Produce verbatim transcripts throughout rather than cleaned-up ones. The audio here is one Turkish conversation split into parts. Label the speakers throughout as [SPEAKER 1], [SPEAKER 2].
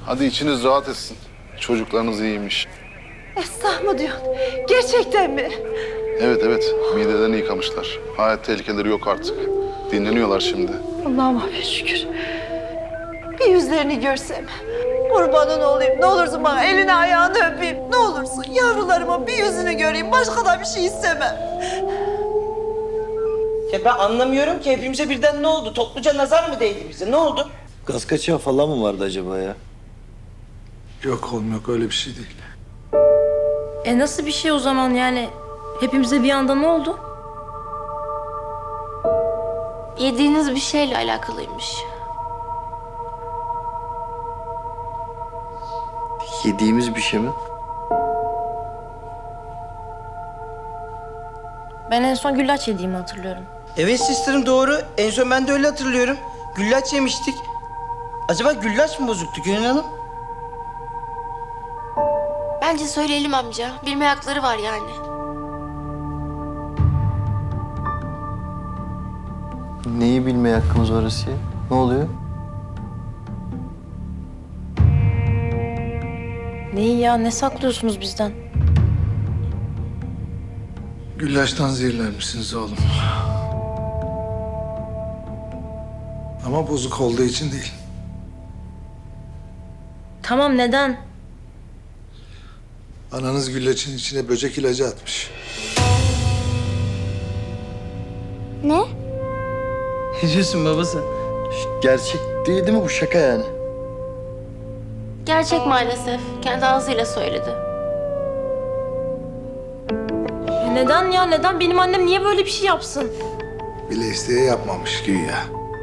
[SPEAKER 1] Hadi içiniz rahat etsin. Çocuklarınız iyiymiş.
[SPEAKER 2] Esnaf mı diyorsun? Gerçekten mi?
[SPEAKER 1] Evet evet, midelerini yıkamışlar. Hayat tehlikeleri yok artık. Dinleniyorlar şimdi.
[SPEAKER 2] Allah'ıma bir şükür. Bir yüzlerini görsem. Kurbanın olayım. Ne olursun bana elini ayağını öpeyim. Ne olursun yavrularımın bir yüzünü göreyim. Başka da bir şey istemem.
[SPEAKER 3] Ya ben anlamıyorum ki hepimize birden ne oldu? Topluca nazar mı değdi bize? Ne oldu?
[SPEAKER 4] Gaz kaçağı falan mı vardı acaba ya?
[SPEAKER 5] Yok oğlum yok öyle bir şey değil.
[SPEAKER 6] E nasıl bir şey o zaman yani? Hepimize bir anda ne oldu?
[SPEAKER 7] Yediğiniz bir şeyle alakalıymış.
[SPEAKER 4] Yediğimiz bir şey mi?
[SPEAKER 6] Ben en son güllaç yediğimi hatırlıyorum.
[SPEAKER 3] Evet sisterim doğru. En son ben de öyle hatırlıyorum. Güllaç yemiştik. Acaba güllaç mı bozuktu Gönül Hanım?
[SPEAKER 7] Bence söyleyelim amca. Bilme hakları var yani.
[SPEAKER 4] Neyi bilmeye hakkımız var Asiye? Ne oluyor?
[SPEAKER 6] Neyi ya? Ne saklıyorsunuz bizden?
[SPEAKER 5] Güllaçtan zehirlenmişsiniz oğlum. Ama bozuk olduğu için değil.
[SPEAKER 6] Tamam neden?
[SPEAKER 5] Ananız güllaçın içine böcek ilacı atmış.
[SPEAKER 7] Ne?
[SPEAKER 3] Ne diyorsun babası?
[SPEAKER 4] Gerçek değil değil mi bu? Şaka yani.
[SPEAKER 7] Gerçek maalesef. Kendi ağzıyla söyledi.
[SPEAKER 6] E neden ya? Neden? Benim annem niye böyle bir şey yapsın?
[SPEAKER 5] Bile isteye yapmamış güya.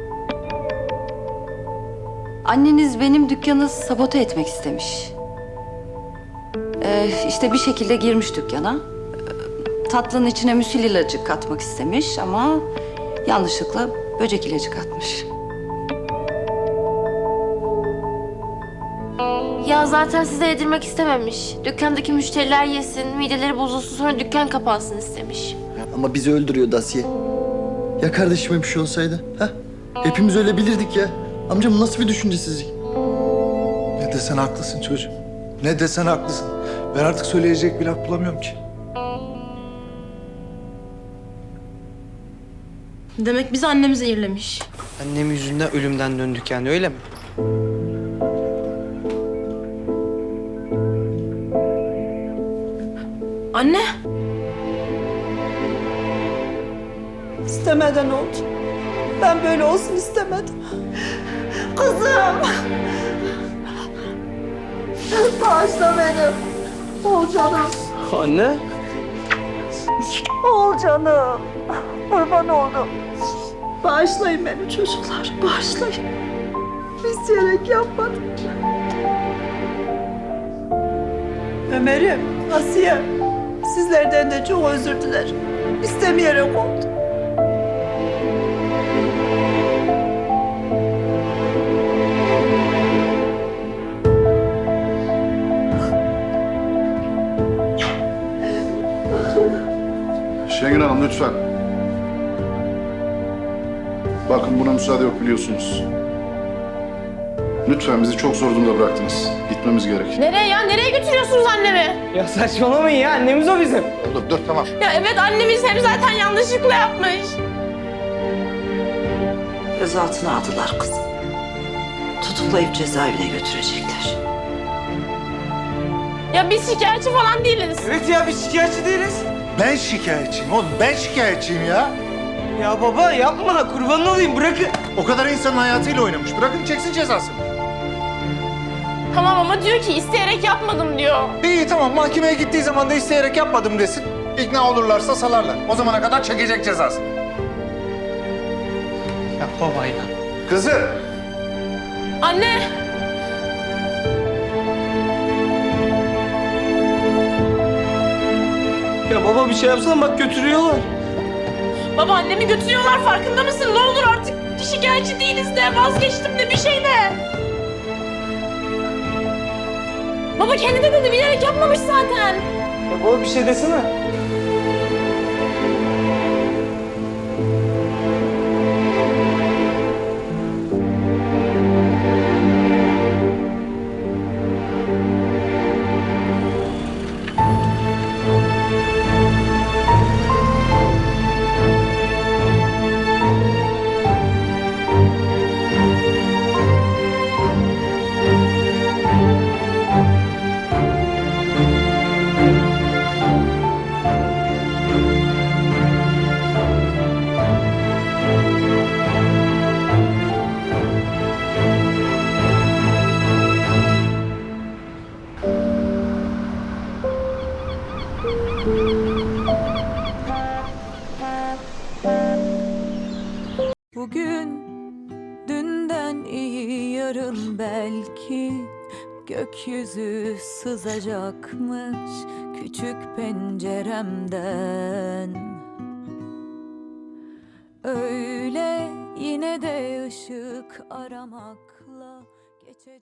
[SPEAKER 8] Anneniz benim dükkanı sabote etmek istemiş. Ee, işte bir şekilde girmiş dükkana. Ee, tatlının içine müsil ilacı katmak istemiş ama yanlışlıkla böcek ilacı katmış.
[SPEAKER 7] Ya zaten size yedirmek istememiş. Dükkandaki müşteriler yesin, mideleri bozulsun sonra dükkan kapansın istemiş.
[SPEAKER 4] Ama bizi öldürüyordu Asiye. Ya kardeşime bir şey olsaydı? Ha? Hepimiz öyle bilirdik ya. Amcam nasıl bir düşüncesizlik?
[SPEAKER 5] Ne desen haklısın çocuğum. Ne desen haklısın. Ben artık söyleyecek bir laf bulamıyorum ki.
[SPEAKER 6] Demek biz annemi zehirlemiş.
[SPEAKER 3] Annem yüzünden ölümden döndük yani öyle mi?
[SPEAKER 6] Anne!
[SPEAKER 2] İstemeden oldu. Ben böyle olsun istemedim. Kızım! Bağışla beni. Oğulcanım.
[SPEAKER 3] Anne?
[SPEAKER 2] Oğulcanım. Kurban oldum. Bağışlayın beni çocuklar. Bağışlayın. İsteyerek yapmadım. Ömer'im, Asiye. Sizlerden de çok özür dilerim. İstemeyerek oldu.
[SPEAKER 1] Şengül Hanım lütfen. Bakın buna müsaade yok biliyorsunuz. Lütfen bizi çok zor durumda bıraktınız. Gitmemiz gerek.
[SPEAKER 6] Nereye ya? Nereye götürüyorsunuz annemi?
[SPEAKER 3] Ya saçmalamayın ya annemiz o bizim.
[SPEAKER 1] Dur dur tamam.
[SPEAKER 6] Ya evet annemiz hem zaten yanlışlıkla yapmış.
[SPEAKER 2] Gözaltına aldılar kızım. Tutuklayıp cezaevine götürecekler.
[SPEAKER 6] Ya biz şikayetçi falan değiliz.
[SPEAKER 3] Evet ya biz şikayetçi değiliz.
[SPEAKER 5] Ben şikayetçiyim oğlum. Ben şikayetçiyim ya.
[SPEAKER 3] Ya baba yapma kurban olayım bırakın.
[SPEAKER 5] O kadar insanın hayatıyla oynamış. Bırakın çeksin cezasını.
[SPEAKER 6] Tamam ama diyor ki isteyerek yapmadım diyor.
[SPEAKER 5] İyi tamam mahkemeye gittiği zaman da isteyerek yapmadım desin. İkna olurlarsa salarlar. O zamana kadar çekecek cezasını.
[SPEAKER 3] Ya baba ya.
[SPEAKER 5] Kızım.
[SPEAKER 6] Anne!
[SPEAKER 3] Ya baba bir şey yapsana bak götürüyorlar.
[SPEAKER 6] Baba annemi götürüyorlar farkında mısın? Ne olur artık şikayetçi değiliz de vazgeçtim de bir şey de. Baba kendi de dedi bilerek yapmamış zaten.
[SPEAKER 3] Ya baba bir şey desene.
[SPEAKER 9] yarın belki gökyüzü sızacakmış küçük penceremden. Öyle yine de ışık aramakla geçecek.